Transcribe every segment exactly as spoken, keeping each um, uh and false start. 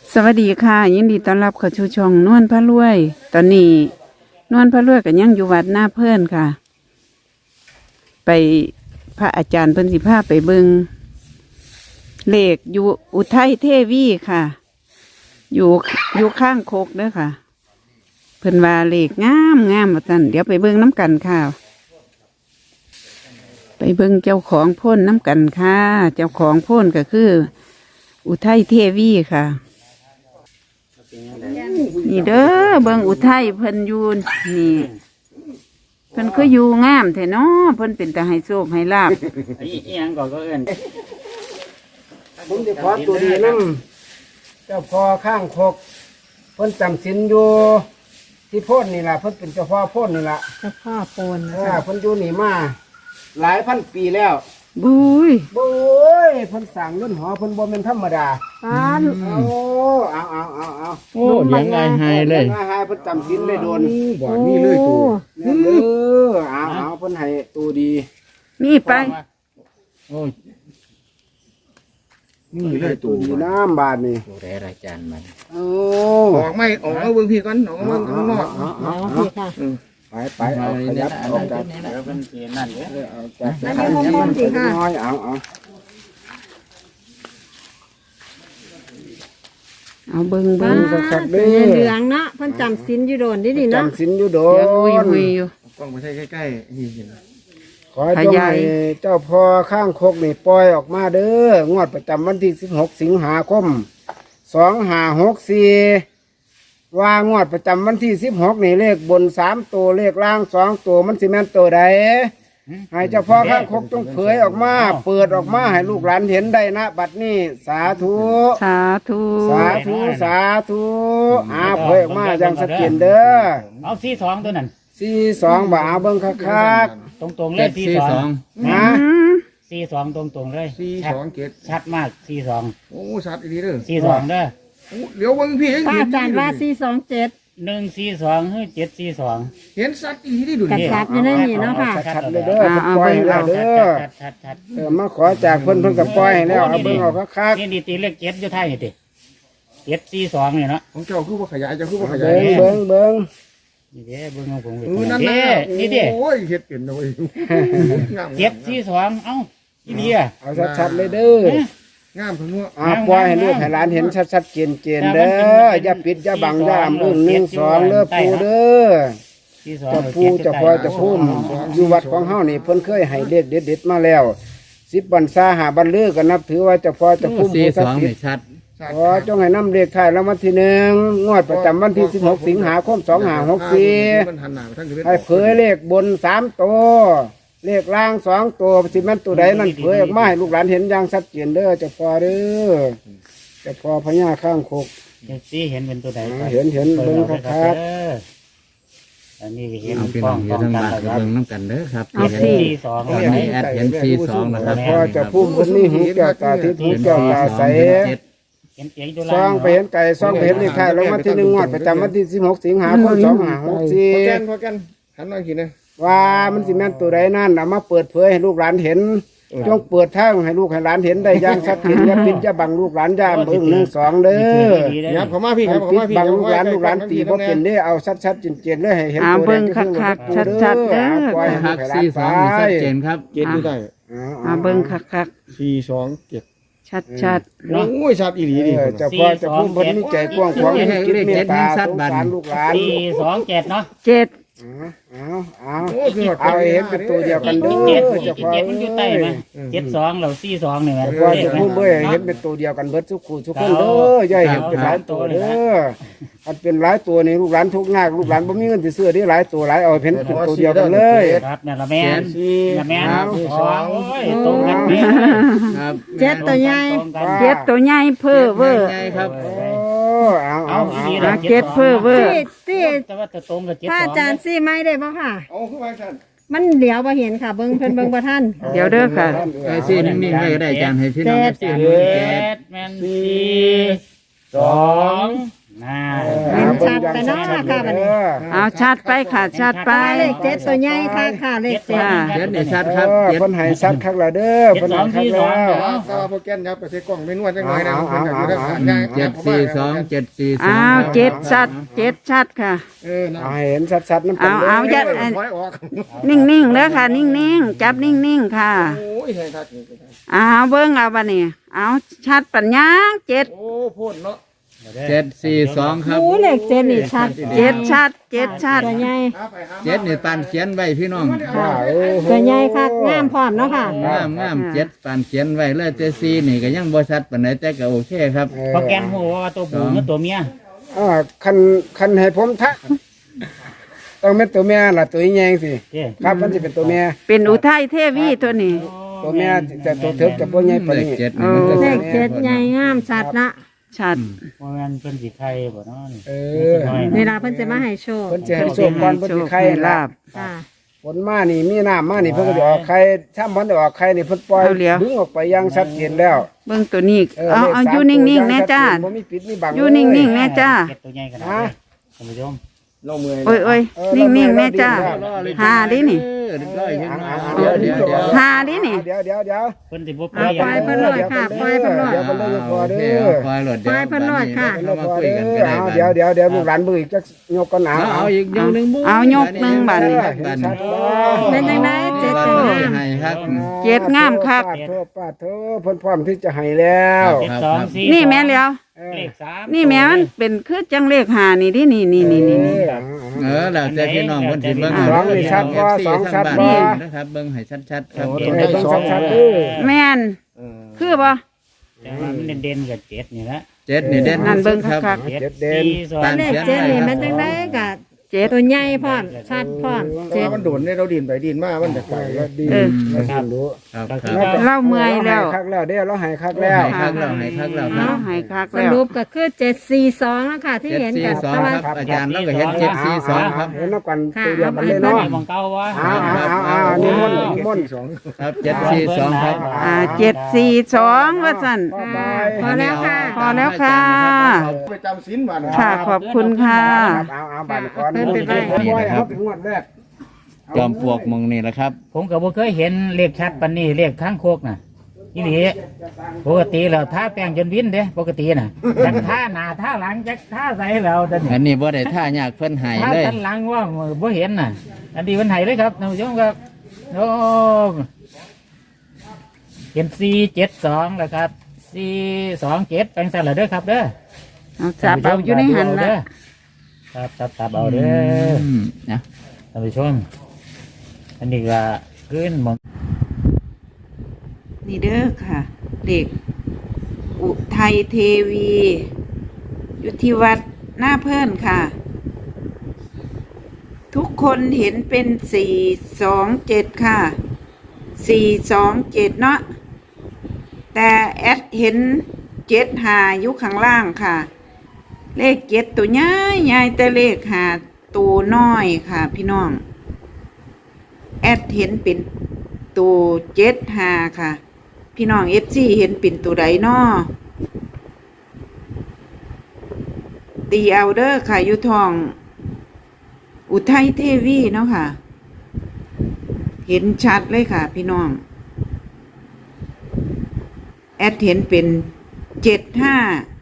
สวัสดีค่ะยินดีต้อนรับเข้าสู่ช่องนวลพระรวย ตอนนี้นวลพระรวยก็ยังอยู่วัดหน้าเพื่อนค่ะ ไปพระอาจารย์เพิ่นสิพาไปเบิงเลขอยู่อุทัยเทวีค่ะ อยู่อยู่ข้างโคกเด้อค่ะ เพิ่นว่าเลขงามงามว่าซั่นเดี๋ยวไปเบิงน้ำกันค่ะ ไปเบิงเจ้าของโพ่นน้ำกันค่ะ เจ้าของโพ่นก็คือ อุทัยเทวีค่ะนี่เด้อเบิ่งอุทัยเพิ่นอยู่นี่เพิ่นคืออยู่งามแท้เนาะเพิ่นเป็นตาให้โชคให้ลาบอีหยังก็ก็เอิ้นผมจะขอตัวดีนั่งเจ้าพ่อข้างคกเพิ่นจำศีลอยู่ที่โพ่นนี่ล่ะเพิ่นเป็นเจ้าพ่อโพ่นนี่ล่ะเจ้าพ่อโปนเออเพิ่นอยู่นี่มาหลายพันปีแล้วบุยโอ้ยเพิ่นสร้างเรือนหอเพิ่นบ่แม่นธรรมดาป้านเอาเอาเอาเอาเอาโอ้เลี้ยงง่ายหายเลยมาหายเพิ่นจำศีลได้โดนบ่นี่เลยตัวแม่นเด้อเอาเอาเพิ่นให้ตัวดีนี่ไปโอ้ยนี่เลยตัตัว วดีน้ำบาดนี่ดูแลรายจานมันโอ้ออกไม่ออกเอาเบิ่งพี่ก่อนออกมาข้างนอกเอาอ๋เอาอเอาพี่ค่ะไปไปเอาขยับออกจากเดี๋ยวเป็นสีนั่นเด้อเอาจากอันนี้มุมมุมสิค่ะน้อยเอาเอาเอาเบิ่งป้าเบิ่งตัวเหลืองเนาะเพิ่นจำศีลอยู่โดนดิดิเนาะจำศีลอยู่โดเดี๋ยวหุยนหุยอยู่กล้องไปใช้ใกล้ๆนี่เห็นขอให้เจ้าให้เจ้าพ่อข้างคกนี่ปล่อยออกมาเด้องวดประจำวันที่สิบหกสิงหาคมสองห้าหกสี่ว่างวดประจำวันที่สิบหกนี่เลขบนสามตัวเลขล่างสองตัวมันสิแม่นตัวใดให้เจ้าพ่อข้างคกจงเผยออกมา เปิดออกมาให้ลูกหลานเห็นได้นะบัดนี้สาธุสาธุสาธุสาธุอาเผยออกมาอย่างสะเกียนเด้อเอาสีสองตัวนั้นสี่สองบ่าวเบิ่งคักตรงตรงๆเลยสีสองๆนะอืมสีสองตรงตรงๆเลยสี่ชัดสองเจ็ดชัดมากสีสองโอ้ชัดอีกทีเด้อสีสองเด้อโอ้เดี๋ยวเบิ่งพี่ยังป้าเห็นอาจารย์ว่าสี่สองเจ็ดหนึ่งสีสองเฮ้ยเจ็ดสีสองเห็นชัดอีกทีที่ดูกระนี่ชับอยู่ในนี่เนาะค่ะชัดๆเลยเด้อเพิ่นปล่อยให้แล้วเด้อชัดชัดชัดเออมาขอจากเพิ่นเพิ่นก็ปล่อยให้แล้วเอาเบิ่งเอาคักนี่ดีตีเลขเจ็ดอยู่ท้ายนี่ติเจ็ดสีสองนี่เนาะของเจ้าคือว่าขยายเจ้าคือว่าขๆยายเบิ่งเบิ่งเบิ่งนี่เด้เบิ่งของผมเออนั่นเด้นะนี่เด้โอ้ยเฮ็ดเป็นนะเว้ยงามเจ็ดสีสองเอ้าอีเดียเอาชัดๆเลยเด้องามทั้งนัวอ่าปล่อยให้ลูกให้หลานเห็นชัดๆเจนๆเด้ออย่าปิดอย่าบังอย่าอำอึ้งหนึ่งสองเด้อปู่เด้อสีสองเจ้าปู่เจ้าพ่อเจ้าพุ่มอยู่วัดของเฮานี่เพิ่นเคยให้เลขเด็ดๆมาแล้วสิบบรรษาหาบรรลือก็นับถือว่าเจ้าพ่อเจ้าพุ่มผู้ศักดิ์สิทธิ์ชัดขอจงให้นำเลขท้ายรางวัลที่หนึ่งงวดประจำวันที่สิบหกสิงหาคมสองห้าหกสี่มันหันหน้าไปทางที่ให้เผยเลขบนสามตัวเลขล่างสองตัวสิแม่นตัวใดนั่นเผยออกมาให้ลูกหลานเห็นอย่างชัดเจนเด้อเจ้าพ่อเด้อเจ้าพ่อพญาข้างคกสีเห็นเป็นตัวใดอ่าเห็นเห็นเบิ่งคักอันนี้เห็นเอาพี่น้องอยู่ทางบ้านก็เบิ่งน้ำกันเด้อครับเอาสิสีสองตอนนี้แอดเห็นสี่สองนะครับพ่อเจะพุ่มคนนี้หูแก้วตาทิพย์หูเห็นแก้วสี่ตาสใสองเห็นเจ็ดเห็นเสียงอยู่ซองไปเห็นไก่ซองไปเห็นเลขท้ายรางวัลที่หนึ่งงวดประจำวันที่สิบหกสิงหาคมสองห้าหกสี่พอแกนพอแกนหันหน่อยทีนะว่ามันสิแม่นตัวใดนั่นเอามาเปิดเผยให้ลูกหลานเห็นจงเปิดทางให้ลูกให้หลานเห็นได้อย่างชัดเจนอย่าปิดอย่าบังลูกหลานอย่าเบิ่งหนึ่งสองเด้อยับเข้ามาพี่คมัรันบเข้าปิดมาพี่บังลูกหลานลูกหลานตีบ่เป็นเด้อเอาชัดๆเจนๆเลยให้เห็นเอาตัวเบิ่งแดคักๆๆชัดๆเด้อปล่อยให้ลูคักกให้หลานสี่สไปองนี่ชัดเจนครับเจ็ดอยู่ได้เอาเบิ่งคักสี่สองเจ็ดๆชัดโอ้ยชัดอีหลีดิเออเจ้าพ่อเจ้าพุ่มเพิ่นมีใจกว้างขวางมีจิตเมตตาสงสารลูกหลานสี่สองเจ็ดเนาะๆเจ็ดเอาเอาโอ้คือเอาให้เห็นเป็นตัวเดียวกันเด้เจ็ดอเจ้าพ่อเจ็ดมันอยู่ใต้ไหมเจ็ดสองเราสี่สองนี่ไหมเจ้าพ่อเจ้าพุ่มเบ้ยให้เห็นเป็นตัวเดียวกันเบิดทุกคู่ทุกคนเด้ออย่าให้เห็นเป็นหลายตัวเด้ออันเป็นหลายตัวนี่ลูกหลานทุกข์ยากลูกหลานบ่มีเงินสิซื้อได้หลายตัวหลายเอาให้เห็นเป็นตัวเดียวกันเลยครับนั่นละแม่สี่นั่นแม่เอาสองโอ้ยตรงกันแม่ครับเจ็ดตัวใหญ่ตรงกันเจ็ดตัวใหญ่เพ้อเวอร์ใหญ่ครับโอ้เอาเอาเอาอีเอาดีอ่ะเจ็ดเพ้อเวอร์สี่สี่แต่ว่าจะตรงกับเจ็ดป้าสออาง จารย์สี่ไม้ได้บ่ค่ะเอาขึ้นมาชันมันเหลียวบ่เห็นค่ะ เบิ่งเพิ่นเบิ่งบ่ทันเดี๋ยวเด้อค่ะไอ้สี่นิ่งๆไว้ก็ได้อาจารย์ให้พี่น้องเจ็ดสี่เจ็ดแม่นสี่สองน่าเห็นชัดไปเนาะค่ะบัดนี้เอาชัดไปค่ะชัดไปเลขเจ็ดตัวใหญ่ค่ะค่ะเลขเจ็ดค่ะเจ็ดนี่ชัดคเอรับอเจ็ดเพิ่นให้ชัดคักแล้วเด้อเจ็ดเพิ่นสอให้งคักสี่สแล้องวเดี๋ยวแต่ว่าโปรแกรมยับไปใส่กล้องไม่นวดจังหน่อยนะเพิ่นอยากอยู่ด้านข้างเจ็ดสี่สองเจ็ดสี่สองอ้าวเจ็ดชัดเจ็ดชัดค่ะเออนะเอาให้เห็นชัดๆน้ำเอาเอาอย่าถอยออกนิ่งๆเด้อค่ะ นิ่งๆจับนิ่งๆค่ะโอ้ยให้ทักนี่เอาเบิ่งเอาบัดนี้เอาชัดปัญญาเจ็ดโอ้พูดเนาะเจ็ดสี่สองครับโอ้เลขเจ็ดนี่ชัดเจ็ดชัดเจ็ดชัดตัวใหญ่หาไปหามาเจ็ดนี่ปานเขียนไว้พี่น้องค่ะโอ้โหตัวใหญ่ค่ะงามพร้อมเนาะค่ะงามงามเจ็ดปานเขียนไว้เลยแต่สี่นี่ก็ยังบ่ชัดปานใดแต่ก็โอเคครับโปรแกรมหัวว่าตัวผู้กับตัวเมียอ่าคันคันให้ผมทักต้องเป็นตัวแม่ล่ะตัวใหญ่สิเจ้ครับมันจะเป็นตัวแม่เป็นอุทัยเทวีตัวนี้ตัวแม่จะตัวเถิกจะบ่ใหญ่ปานเลขนี้เจ็ดนี่มันจะเลชัขดเจ็ดใหญ่งามชัดนะชัดว่ามันเป็นสีไข่บ่เนาะนี่เออเวลาเพิ่นจะมาให้โชคเพิ่นจะให้โชคก่อนเพิ่นสิไข่ให้ลาลาบบค่ะฝนมานี่มีน้ำมานี่เพิ่นก็จะออกไข่ถ้ามันได้ออกไข่นี่เพิ่นปล่อยเอาเหลียวดึงออกไปอย่างชัดเจนแล้วเบิ่งตัวนี้เอาลขเอาสมอยู่นิ่งๆแน่จ้าตัวอย่งชัดเจนบ่มีปิดมีบังอยู่นิ่งๆแน่จ้าเจ็ดตัวใหญ่ขนาดนี้ท่านผู้ชมเราเมื่อยโอ้ยโอ้ยนิ่งๆแน่จ้าหาดินี่เออเรียบร้อยเห็นไหมเอาเดี๋ยวเดี๋ยวเดี๋ยวหาดินี่เดี๋ยวเดี๋ยวเดี๋ยวเพิ่นสิบ่ปเอาล่อยไปเพิ่นโหลดค่ะปล่อยเพิ่นโหลดเดี๋ยวเพิ่นโหลดพอเด้อปล่อยโหลดเดี๋ยวปล่อยเพิ่นโหลดค่ะเรามาคุยกันก็ได้เอาบัดเดี๋ยวเดี๋ยวเดี๋ยวลูกหลานเบิ่งอีกจักยกกันหนาเอาเอาอีกยกหนึ่งบุ้เอายกหนึ่งบัดนี้บัดชันี้ดบ่เป็นจังไดเจ็ดตัวงามให้ครับเจ็ดงามคักปาดโทษปาดโทษเพิ่นพร้อมที่จะให้แล้วเจ็ดสองสี่นี่แม่แล้วเลขสามนี่แม่มันเป็นคือจังเลขหานี่ดินี่นี่นี่นี่นี่เออแล้วแต่พี่น้องคนสิเบิ่งสองนี่ชัดบ่สองชัดบ่นะครับเบิ่งให้ชัดๆครับตัวไหนเบิ่งชัดๆเด้อแม่นคือบ่แต่ว่ามันเด่นๆกับเจ็ดนี่ละเจ็ดนี่เด่นนั่นเบิ่งครับคักเจ็ดสี่สองเลขเจ็ดนี่มันจังไดก็ๆเจ็ดตัวใหญ่พร้อมชัดพร้อมเจ็เจ็ดดมันโดนเนี่ยเราดินไปดินมามันจะไกลก็ดีเออเราสิรู้ครับก็คคืรัอบเราเมื่อยแล้วคักแล้วเด้อเราให้คักแล้วให้คักแล้วให้คักแล้วครัเอาบให้คักสแล้วรุปก็คือเจ็ดสี่สองแล้วค่ะที่เจ็ดเห็นสี่กันสองแต่ว่าครับอาจารย์เราก็เห็นเจ็ดสี่สองครับเห็นนับกันค่ะตัวเดียวกันเลยได้เนาะมองเก้าวะอ้าวอ้าวอ้าวนี่มนต์นี่มนต์สองครับเจ็ดสี่สองครับอ่าเจ็ดสี่สองว่าสั่นบ๊ายค่ะบายพอแล้วค่ะพอแล้วค่ะไปจำศีลบ้านค่ะขอบคุณค่ะเอาเอาบันก่อนเพิ่นไปไว้บ่อยครับงวดแรกจอมปลวกมงนี่แหละครับผมก็บ่เคยเห็นเลขชัดปานนี้เลขข้างโคกน่ะอีหลีปกติแล้วท่าแป้งจนวินเด้ปกติน่ะจักท่าหน้าท่าหลังจักท่าใส่แล้วแต่อันี่นนี้บ่ได้ท่ายากเพิ่นใหายท่าเลยทันหลังว่าบ่เห็นน่ะ อันนี้มันไหเลยครับท่านผู้ชมครับโอ้เห็นสี่เจ็ดสองแล้วครับสี่สองเจ็ดแปลงสั่นละเด้อครับเด้อเอาจับเอาอยู่ในหันละครับจับจับเอาเด้ออืมนะท่านผู้ชมอันนี้ก็ขึ้นหมองนี่เด้อค่ะ เด็ก อุทัยเทวีอยู่ที่วัดหน้าเพิ่นค่ะ ทุกคนเห็นเป็นสี่สองเจ็ดค่ะสี่สองเจ็ดเนาะแต่แอดเห็นเจ็ดหาอยู่ข้างล่างค่ะ เลขเจ็ดตัวใหญ่ใหญ่แต่เลขหาตัวน้อยค่ะ พี่น้อง แอดเห็นเป็นตัวเจ็ดหาค่ะ พี่น้องเอฟซีเห็นเป็นตัวใดน้อตีเอาเด้อค่ะอยู่ทอง อุทัยเทวีเนาะค่ะ เห็นชัดเลยค่ะ พี่น้อง แอดเห็นเป็นเจ็ดห้า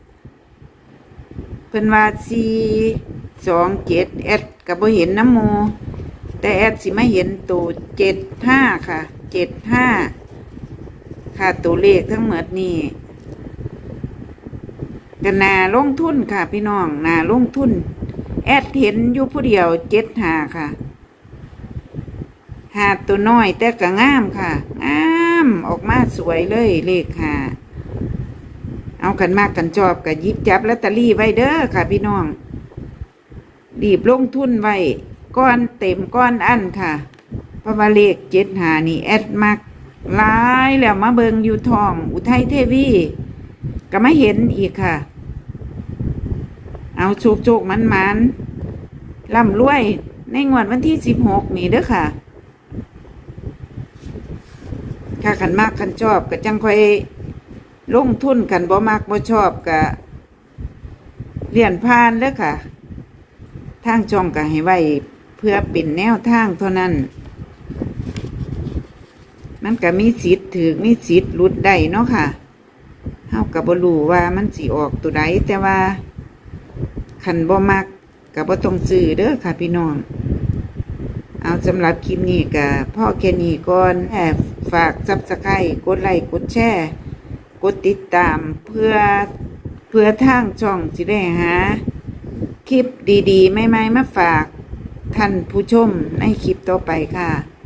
เป็นว่าสี่สองเจ็ดแอดกับบ่เห็นน้ำโม แต่แอดสิมาเห็นตัวเจ็ดห้าค่ะเจ็ดห้าค่ะตัวเลขทั้งหมดนี่กันนาลงทุนค่ะพี่น้องนาลงทุน แอดเห็นอยู่ผู้เดียวเจ็ดหาค่ะหาตัวน้อยแต่ก็งามค่ะงามออกมาสวยเลยเลขหาเอากันมากกันชอบกับยิบจับลอตเตอรี่ไว้เด้อค่ะพี่น้องรีบลงทุนไว้ก้อนเต็มก้อนอันค่ะเพราะว่าเลขเจ็ดหานี่แอดมักหลายแล้วมาเบิงอยู่ทอง อุทัยเทวีก็ไม่เห็นอีกค่ะ เอาโชคโชคมันมันร่ำรวยในงวดวันที่สิบหกนี่เด้อค่ะถ้าขันมากขันชอบก็จังค่อยลงทุนกันบ่มากบ่ชอบก็เรียนผ่านเด้อค่ะทางช่องก็ให้ไว้เพื่อเป็นแนวทางเท่านั้น มันก็มีสิทธิ์ถือมีสิทธิ์หลุดได้เนาะค่ะเฮาก็บ่รู้ว่ามันสิออกตัวใดแต่ว่าคันบ่มักก็บ่ต้องซื้อเด้อค่ะพี่น้องเอาสำหรับคลิปนี้ก็พ่อแค่นี้ก่อนแอบฝาก Subscribe กดไลค์กดแชร์กดติดตามเพื่อเพื่อทางช่องสิได้หาคลิปดีๆใหม่ๆมาฝากท่านผู้ชมในคลิปต่อไปค่ะ